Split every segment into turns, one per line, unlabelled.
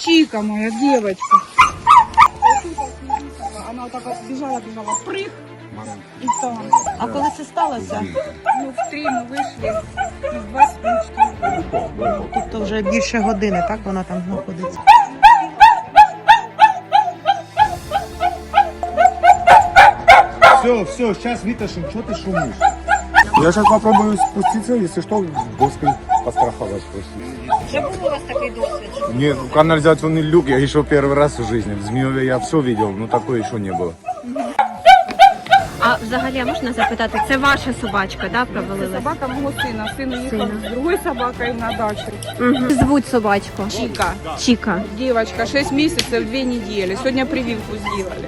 Чика моя девочка. Она вот так вот бежала, прыг. И там.
А коли це сталося?
Ну, в 3 мы вышли, и в 24.
Тобто вже більше години, так вона там знаходиться?
Все, сейчас вытащим, что ты шумишь? Я сейчас попробую спуститься, если что, доской постраховать просто.
Вже був у вас такий досвід?
Нет, канализационный люк я еще первый раз в жизни. В Змееве я все видел, но такое еще не было.
А взагалі можна запитати, це ваша собачка, да, провалилась?
Собака моего сына. Сын уехал с другой собакой на дачу.
Угу. Звуть собачку?
Чика.
Чіка.
Девочка, 6 месяцев, 2 недели. Сегодня прививку сделали.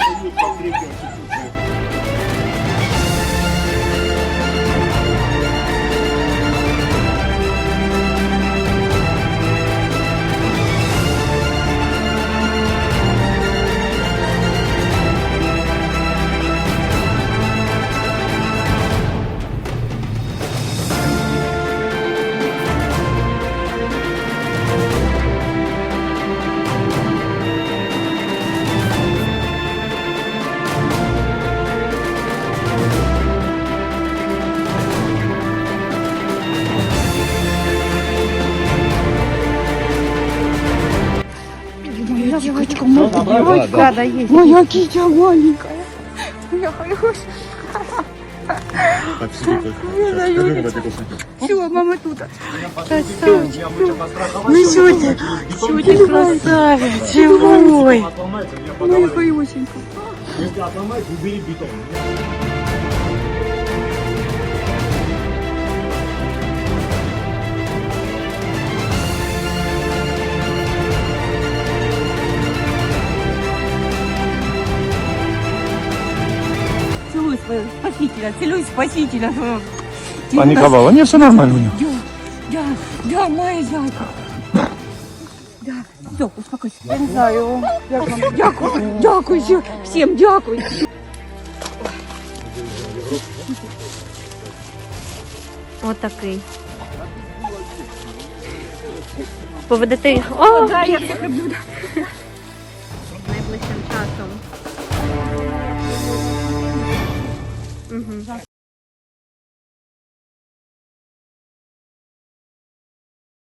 Моя девочка,
Да, да, є.
моя китя маленькая. Моя хорошая. Все, мама тут.
Ну що ти красавець, живой.
Моя хорошенька.
Целуй своего спасителя, целуй спасителя.
Паниковала? Не, все нормально у него.
Да, моя зайка. Да, все, успокойся. Я не знаю, як вам. Дякую, всім дякую.
Отакий. Поведете. О,
Да, я всіх люблю.
найближчим часом. Угу.